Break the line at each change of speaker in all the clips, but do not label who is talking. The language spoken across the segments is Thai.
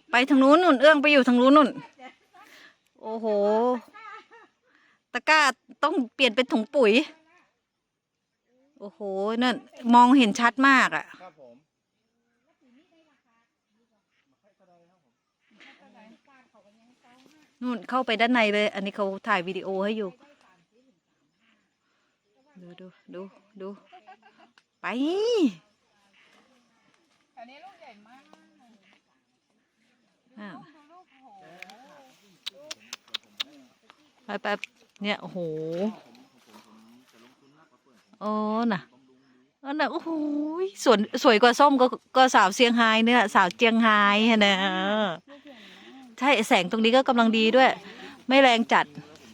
ไปทางนู้นนุ่นเอื้องไปอยู่ทางนู้นนุ่นโอ้โหตะกร้าต้องเปลี่ยนเป็นถุงปุ๋ยโอ้โหนั่นมองเห็นชัดมากอ่ะนู่นเข้าไปด้านในเลยอันนี้เขาถ่ายวิดีโอให้อยู่ดูไป
อันนี้ลูกใหญ่มาก
ไปเนี่ยโอ้โหโอ้น่ะโอ้โหสวยกว่าส้มก็สาวเซี่ยงไฮ้เนี่ยสาวเจียงไฮ้นะใช่แสงตรงนี้ก็กำลังดีด้วยไม่แรงจัด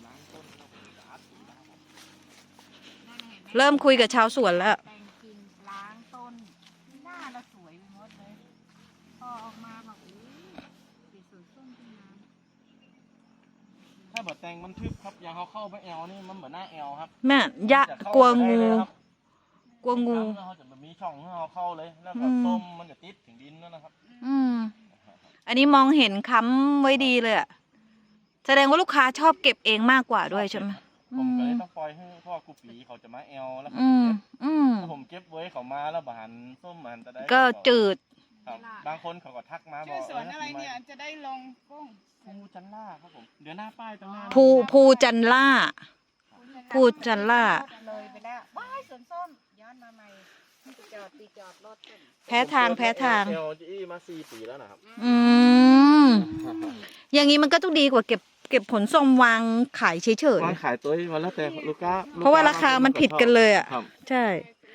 เริ่มคุยกับชาวสวนแล้ว
แต่งกิ่งล้างต้นหน้าเราสวยไปหมดเลยพอออกมาแบบสีสวยส้มขึ้นมา
ถ้าแบบแต่งมันทึบครับอย่างเขาเข้าไปแอลนี่มันเหมือนหน้าแอลครับ
แม่ยะกลัวงู
เขาจะแบบมีช่องให้เขาเข้าเลยแล้วก็ส้มมันจะติดถึงดินนั่นนะครับ
อันนี้มองเห็นค้ำไว้ดีเลยอะแสดงว่าลูกค้าชอบเก็บเองมากกว่าด้วยใช่ไหม
ผมก็เลยต้องปล่อยให้พ่อกูปีเขาจะมาแอลแล้วเขาเก็บถ้าผมเก็บไว้เขามาแล้วบานส้มมันจะได้
ก็จืด
บางคนเขาก็ทักมาบอก
สวนอะไรเนี่ยจะได้ลงกุ้ง
ภูจันล่าครับผมเดี๋ยวหน้าป้ายตรงหน้า
ภูจันล่า
เลยไปแล้วว้ายสวนส้มย้อนมาใหม่จอดรถ
แพ้ทาง
เอลจีมา4 ปีแล้วนะครับ
อย่างนี้มันก็ต้องดีกว่าเก็บผลส้มวางขายเฉยๆ
วางขายตัวที่มันแล้วแต่ลูกค้า
เพราะว่าราคามันผิดกันเลยอ่ะใช่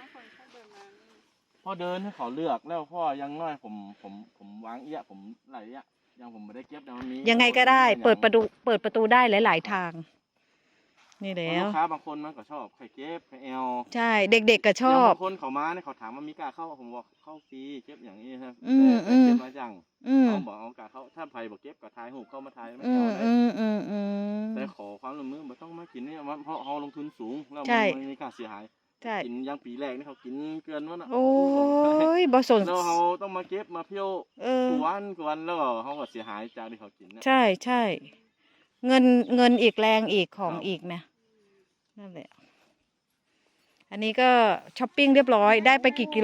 พ่อเดินให้เขาเลือกแล้วพ่อยังน้อยผมวางผมไหลยังผมไม่ได้เก็บแต่มันมี
ยังไงก็ได้เปิดประตูได้หลายๆทางนี่แล้ว
ลูกค้าบางคนมันก็ชอบไข่เก็บไข่แอล
ใช่เด็กๆก็ชอบบ
างคนเขามาเนี่ยเขาถามว่ามีกาเข้าผมบอกเข้าฟรีเก็บอย่างนี้ครับแต่เก็บมาจังเขาบอกเอากาเข้าถ้าไผ่บอกเก็บก็ทายหูเข้ามาทายไม่เอาได้แต่ขอความร่วมมือไม่ต้องมากินนี่เพราะเขาลงทุนสูงแล้วมันมีการเสียหายกินยังปีแรกนี่เขากินเกินวะนะ
โอ้ยบอสน
แล้วเขาต้องมาเก็บมาเพี้ยวกวนแล้วเขาก็เสียหายจากที่เขากิน
ใช่เงินอีกแรงอีกของอีกนะนั่นแหละอันนี้ก็ช้อปปิ้งเรียบร้อยได้ไปกี่กิโล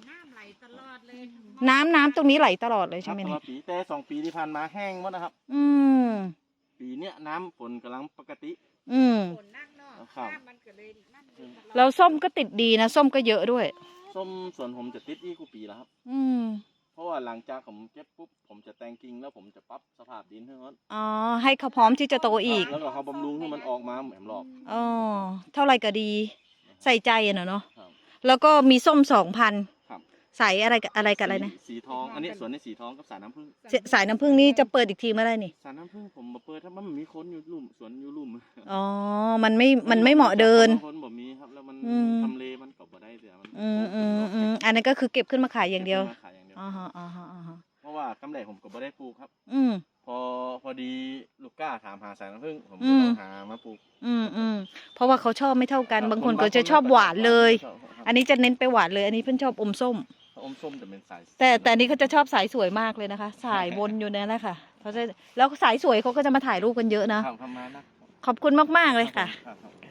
น้ำตรงนี้ไหลตลอดเลยใช่ไหมเนี่ย
ปีแต่2 ปีที่ผ่านมาแห้งหมดนะครับปีเนี้ยน้ำฝนกำลังปกติ
ฝนนักเนาะครับ
แล้วส้มก็ติดดีนะส้มก็เยอะด้วย
ส้มส่วนผมจะติดอีกปีแล้วครับเพราะว่าหลังจากผมเก็บปุ๊บผมจะแต่งกิ่งแล้วผมจะปรับสภาพดินให้เขา
ให้เขาพร้อมที่จะโตอีก
แล้วก็เขาบำรุงให้มันออกมาเหมือนรอบ
เท่าไรก็ดีใส่ใจเนาะแล้วก็มีส้ม2,000ใส่อะไรกับอะไรนะ
สีทองอันนี้ส่วนในสีทองกับสายน้ำผึ้ง
สายน้ำผึ้งนี่จะเปิดอีกทีเมื่อไรนี่
สายน้ำผึ้งผมมาเปิดถ้ามันมีคนอยู่ลุ่มสวนอยู่ลุ่ม
มันไม่เหมาะเดิน
คนบ่มีครับแล้วมันทำเลมันกบได้เสียมัน
อันนั้นก็คือเก็บขึ้นมาขายอย่างเดียว
เพราะว่ากำไรผมก็บ่ได้ปลูกครับพอดีลูกก้าถามหาสายน้ำผึ้งผมก็ต้องหามาปลูก
เพราะว่าเขาชอบไม่เท่ากันบางคนก็จะชอบหวานเลยอันนี้จะเน้นไปหวานเลยอันนี้เพิ่นชอบอมส้ม
จะเป็นสาย
แต่นี้เขาจะชอบสายสวยมากเลยนะคะสายวนอยู่นั่นแหละค่ะเขาจะแล้วสายสวยเขาก็จะมาถ่ายรูปกันเยอะนะขอบคุณมากๆเลยค่ะ